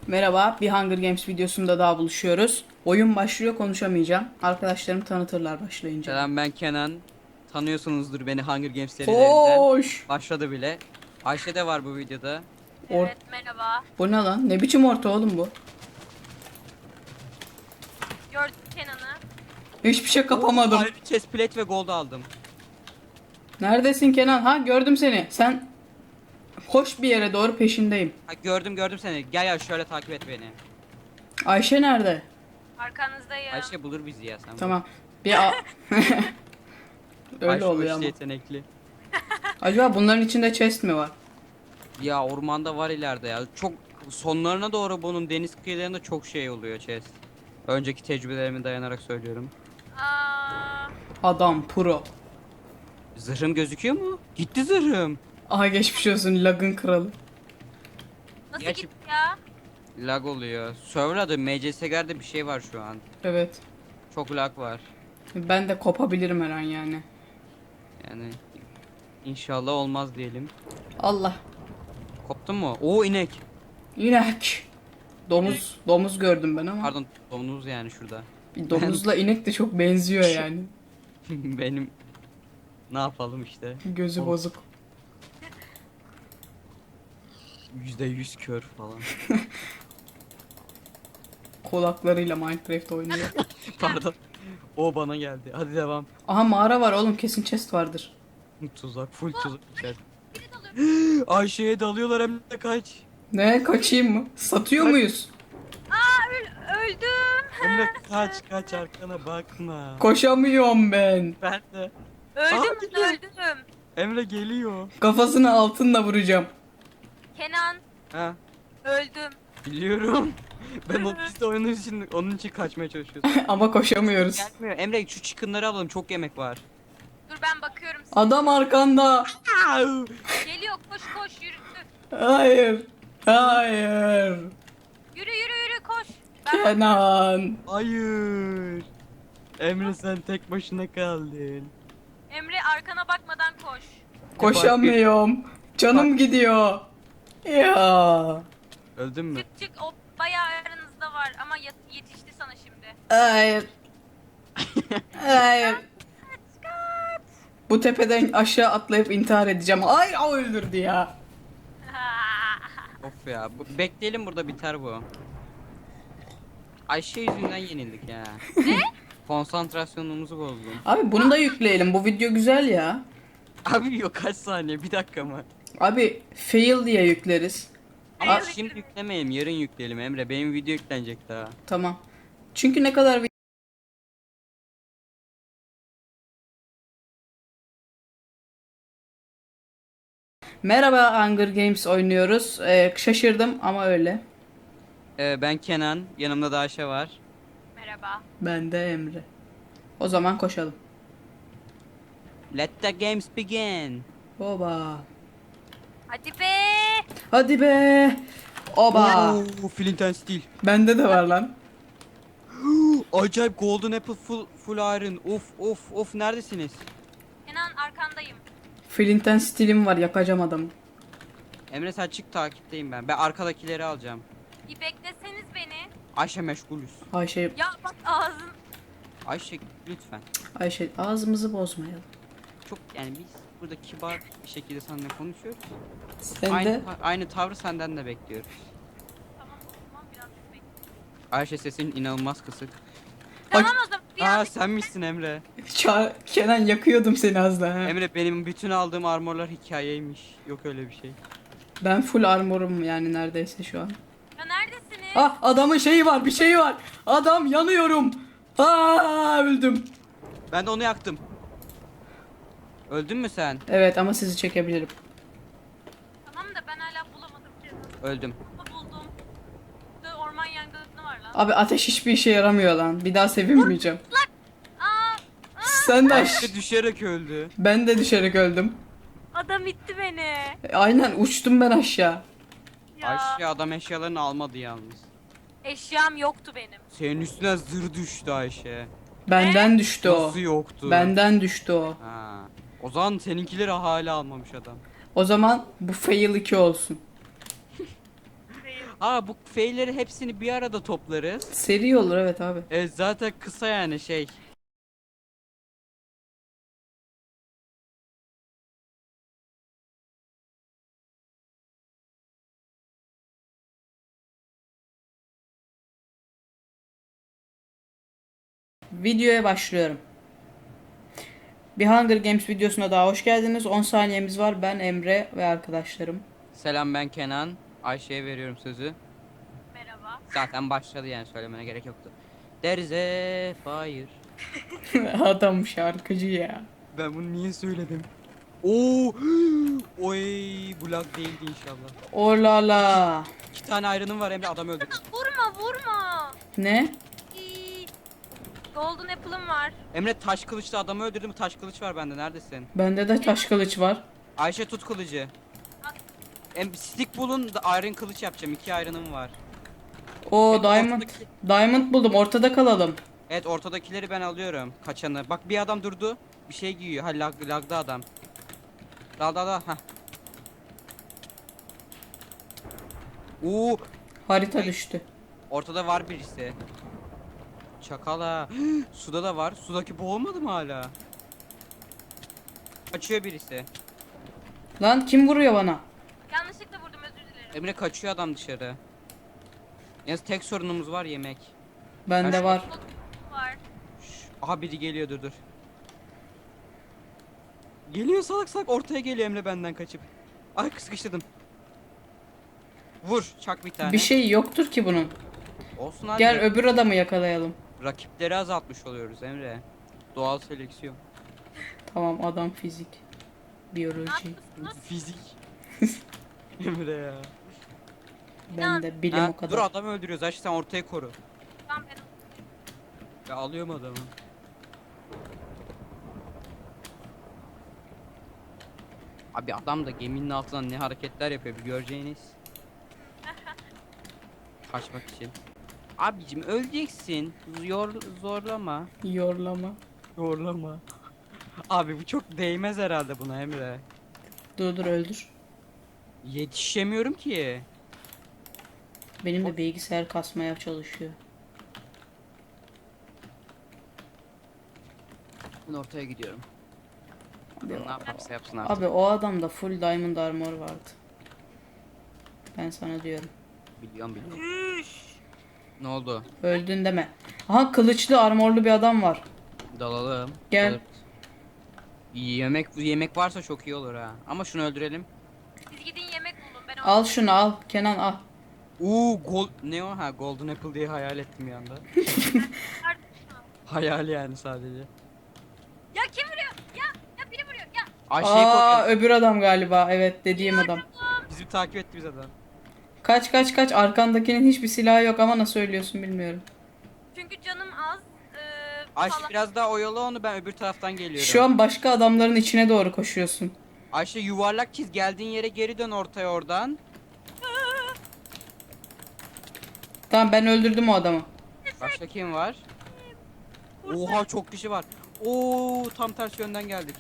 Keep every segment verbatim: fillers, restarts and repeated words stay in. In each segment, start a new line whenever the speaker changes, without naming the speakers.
Merhaba, bir Hunger Games videosunda daha buluşuyoruz. Oyun başlıyor, konuşamayacağım. Arkadaşlarım tanıtırlar başlayınca.
Selam, ben Kenan. Tanıyorsunuzdur beni Hunger Games serilerinden.
Koş!
Başladı bile. Ayşe de var bu videoda.
Or
Evet, merhaba.
bu ne lan? Ne biçim orta oğlum bu?
Gördük Kenan'ı.
Hiçbir şey kapamadım.
Ayrı chest plate ve gold aldım.
Neredesin Kenan? Ha, gördüm seni. Sen koş bir yere doğru, peşindeyim.
Ha, gördüm gördüm seni. Gel ya şöyle takip et beni.
Ayşe nerede?
Arkanızdayım.
Ayşe bulur bizi ya sen.
Tamam. Bir a- Öyle
Ayşe
oluyor
o
ama.
işte yetenekli.
Acaba bunların içinde chest mi var?
Ya ormanda var ileride ya. Çok sonlarına doğru bunun deniz kıyılarında çok şey oluyor chest. Önceki tecrübelerime dayanarak söylüyorum.
Aa,
Adam pro.
Zırhım gözüküyor mu? Gitti zırhım.
Aha, geçmiş olsun lagın kralı.
nasıl
Gerçi-
gitti ya?
Lag oluyor. Server'da M C S G'de bir şey var şu an.
Evet.
Çok lag var.
Ben de kopabilirim her an yani.
Yani inşallah olmaz diyelim.
Allah.
Koptun mu? Oo, inek.
İnek. Domuz, domuz gördüm ben ama.
Pardon, domuz yani şurada.
Bir domuzla inek de çok benziyor yani.
Benim ne yapalım işte.
Gözü
Oğlum.
bozuk.
Yüzde yüz kör falan.
Kulaklarıyla Minecraft oynuyor.
Pardon. O bana geldi. Hadi devam.
Aha, mağara var oğlum, kesin chest vardır.
Tuzak, full tuzak içer.
Biri dalıyor.
Ayşe'ye dalıyorlar, hem de kaç.
Ne, kaçayım mı? Satıyor muyuz?
Aa, öl- öldüm.
Emre kaç kaç, arkana bakma.
Koşamıyorum ben.
Ben de.
Öldüm,
Aa, geliyor.
öldüm.
Emre geliyor.
Kafasını altınla vuracağım.
Kenan,
Ha,
öldüm.
biliyorum. Ben o biz de oyunun için onun için kaçmaya çalışıyoruz.
Ama koşamıyoruz.
Gelmiyor. Emre şu chicken'ları alalım, çok yemek var.
Dur ben bakıyorum.
Adam arkanda.
Au!
Geliyor, koş koş yürü.
Hayır. Hayır.
Yürü yürü yürü koş. Ben
Kenan.
Hayır. Emre sen tek başına kaldın.
Emre arkana bakmadan koş.
Koşamıyorum. Canım gidiyor. Ya.
Öldün mü?
Çık çık, o bayağı aranızda var ama yet- yetişti sana şimdi.
Hayır. Hayır. Bu tepeden aşağı atlayıp intihar edeceğim. Ay, o öldürdü ya.
Of ya. Bu- bekleyelim, burada biter bu. Ayşe yüzünden yenildik ya. Ne? Konsantrasyonumuzu bozdun.
Abi bunu da yükleyelim. Bu video güzel ya.
Abi yok, kaç saniye, bir dakika mı?
Abi fail diye yükleriz.
Ama
Aa,
şimdi yüklemeyelim, yarın yükleyelim Emre. Benim video yüklenecek daha.
Tamam. Çünkü ne kadar vi- Merhaba, Hunger Games oynuyoruz. Ee, şaşırdım ama öyle.
Ee, ben Kenan, yanımda da Ayşe var.
Merhaba.
Ben de Emre. O zaman koşalım.
Let the games begin.
Oba.
Hadi be.
Hadi be. Oba.
Oo, Flint and Steel.
Bende de var lan.
Acayip golden apple, full full iron. Of of of, neredesiniz?
Kenan arkandayım.
Flinten stilim var, yakacağım adamı.
Emre sen çık, takipteyim ben. Ben arkadakileri alacağım.
Bir bekleseniz beni.
Ayşe meşgulüz.
Ayşe,
Ya bak ağzın.
Ayşe lütfen.
Ayşe ağzımızı bozmayalım.
Çok yani biz burada kibar bir şekilde seninle konuşuyoruz.
Sen
Aynı
de
aynı tavrı senden de bekliyoruz.
Tamam o zaman biraz bekle.
Ayşe sesin inanılmaz kısık.
Tamam o zaman bir
Aa,
an
sen misin Emre?
Ça- Kenan, yakıyordum seni az daha.
Emre, benim bütün aldığım armorlar hikayeymiş. Yok öyle bir şey.
Ben full armorum yani neredeyse şu an.
Ya neredesiniz?
Ah, adamın şeyi var, bir şeyi var. Adam, yanıyorum. Aa, öldüm.
Ben de onu yaktım. Öldün mü sen?
Evet ama sizi çekebilirim.
Tamam da ben hala bulamadım cezanı.
Öldüm.
Buldum. Burada orman yangını var lan.
Abi ateş hiçbir işe yaramıyor lan. Bir daha sevinmeyeceğim.
Aa,
Sen de aş-
Ayşe düşerek öldü.
Ben de düşerek öldüm.
adam itti beni.
E, Aynen, uçtum ben aşağı.
Ya.
Ayşe adam eşyalarını almadı yalnız.
Eşyam yoktu benim.
Senin üstüne zır düştü Ayşe.
Benden düştü o.
Nasıl yoktu?
Benden düştü o.
Ha. O zaman seninkileri hala almamış adam.
O zaman bu fail iki olsun.
Aa bu feyleri hepsini bir arada toplarız.
Seri olur evet abi.
E zaten kısa yani şey.
Videoya başlıyorum. Bir Hunger Games videosuna daha hoş geldiniz. on saniyemiz var. Ben Emre ve arkadaşlarım.
Selam ben Kenan. Ayşe'ye veriyorum sözü.
Merhaba.
Zaten başladı yani söylemene gerek yoktu. There is a fire.
Adam şarkıcı ya.
Ben bunu niye söyledim? Oo! Oy, bu lag değildi inşallah.
Orlala.
İki tane ayrınım var Emre, adam öldürdü.
Vurma vurma.
Ne?
İyi. Golden Apple'ım var.
Emre taş kılıçla adamı öldürdüm. Taş kılıç var bende. Neredesin?
Bende de taş kılıç var.
Ayşe tut kılıcı. Em stick bulun da iron kılıç yapacağım. İki iron'ım var.
O
Evet,
diamond.
ortadaki-
Diamond buldum. Ortada kalalım.
Evet ortadakileri ben alıyorum. Kaçanı. Bak bir adam durdu. Bir şey giyiyor. Ha lag, lagda adam. Dal dal dal. Hah. Oo,
Harita düştü.
ortada var birisi. Çakala. Suda da var. Sudaki boğulmadı mı hala? Kaçıyor birisi.
Lan kim vuruyor bana?
Yanlışlıkla vurdum özür dilerim.
Emre kaçıyor adam dışarı. Yalnız tek sorunumuz var yemek.
Bende
Kaç-
var.
Var.
Şş, aha biri geliyor dur dur. Geliyor salak salak ortaya geliyor Emre benden kaçıp. Ay sıkıştırdım. Vur çak bir tane.
Bir şey yoktur ki bunun.
Olsun abi.
Gel öbür adamı yakalayalım.
Rakipleri azaltmış oluyoruz Emre. Doğal seleksiyon.
Tamam adam fizik.
Ne
Biyoloji.
yapıyorsunuz?
Fizik. Emre ya.
Ben de bilim
Ha,
o kadar.
dur adamı öldürüyoruz Ayşe sen ortayı koru.
Tamam ben
Ya alıyorum adamı. Abi adam da geminin altından ne hareketler yapıyor bir göreceğiniz. Kaçmak için. Abicim öleceksin. Zor, zorlama.
Yorlama.
Zorlama. Abi bu çok değmez herhalde buna Emre.
Dur dur öldür.
Yetişemiyorum ki.
Benim de bilgisayar kasmaya çalışıyor.
Ben ortaya gidiyorum.
Abi,
Ne yaparsa yapsın artık.
abi o adamda full diamond armor vardı. Ben sana diyorum.
Biliyorum biliyorum. Ne oldu?
Öldün deme. Aha kılıçlı armorlu bir adam var.
Dalalım.
Gel.
Alır. Yemek yemek varsa çok iyi olur ha. Ama şunu öldürelim.
siz gidin yemek bulun ben
Al şunu al. Kenan al.
Uuu gold ne o ha golden apple diye hayal ettim bir anda. Hayal yani sadece.
Ya kim vuruyor? Ya ya biri vuruyor. Ya
Ayşe'yi
Aa
koruyor.
öbür adam galiba. Evet dediğim adam.
Bizi takip etti biz adam.
Kaç kaç kaç. Arkandakinin hiçbir silahı yok ama nasıl söylüyorsun bilmiyorum.
çünkü canım az. Ee,
Ayşe
falan.
biraz daha oyalı onu ben öbür taraftan geliyorum.
Şu an başka adamların içine doğru koşuyorsun.
Ayşe yuvarlak çiz geldiğin yere geri dön ortaya oradan.
Tamam ben öldürdüm o adamı.
Başka kim var? Oha çok kişi var. Oo tam ters yönden geldik.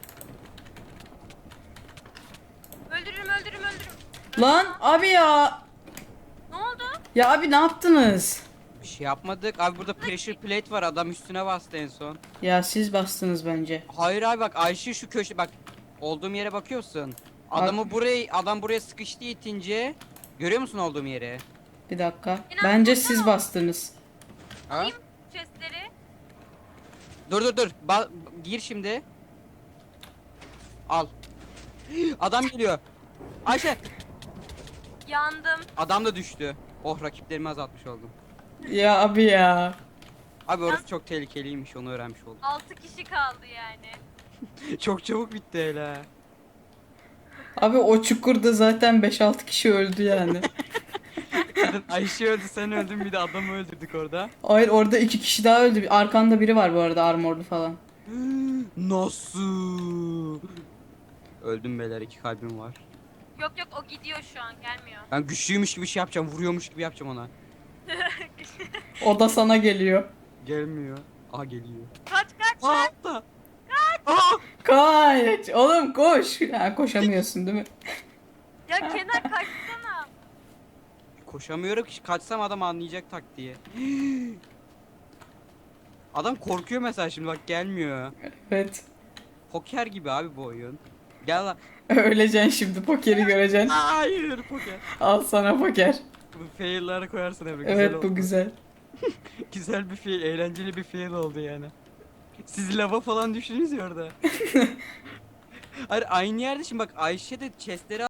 Öldürürüm öldürürüm öldürürüm.
Lan abi ya.
Ne oldu?
Ya abi ne yaptınız?
Bir şey yapmadık. Abi burada pressure plate var. Adam üstüne bastı en son.
Ya siz bastınız bence.
Hayır abi bak Ayşe şu köşe bak. Olduğum yere bakıyorsun. Adamı buraya adam buraya sıkıştı itince. Görüyor musun olduğum yeri?
Bir dakika.
İnan-
Bence siz bastınız.
Ha?
Chestleri.
Dur dur dur. Ba- gir şimdi. Al. Adam geliyor. Ayşe.
Yandım.
Adam da düştü. Oh rakiplerimi azaltmış oldum.
Ya abi ya.
Abi orası çok tehlikeliymiş onu öğrenmiş oldum.
altı kişi kaldı yani.
Çok çabuk bitti hele.
Abi o çukurda zaten beş altı kişi öldü yani.
Ayşe öldü sen öldün bir de adamı öldürdük orada.
Hayır orada iki kişi daha öldü. Arkanda biri var bu arada armorlu falan.
Nasıl? Öldüm beyler iki kalbim var.
Yok yok o gidiyor şu an gelmiyor.
Ben güçlüymüş gibi şey yapacağım vuruyormuş gibi yapacağım ona.
O da sana geliyor.
Gelmiyor. Aa geliyor.
Kaç kaç.
Aa altta. Aa!
Kaç. Oğlum koş. Ha, koşamıyorsun değil mi?
Ya Kenan kaçsana.
Koşamıyorum ki, kaçsam adam anlayacak taktiği. Adam korkuyor mesela, şimdi bak gelmiyor.
Evet.
Poker gibi abi bu oyun. Gel lan.
Öleceksin şimdi, pokeri göreceksin.
Hayır poker.
Al sana poker.
Bu fail'ları koyarsın Emre. Güzel
Evet,
oldu.
bu güzel.
Güzel bir fail, eğlenceli bir fail oldu yani. Siz lava falan düştünüz ya orada. Hayır aynı yerde, şimdi bak Ayşe de chestleri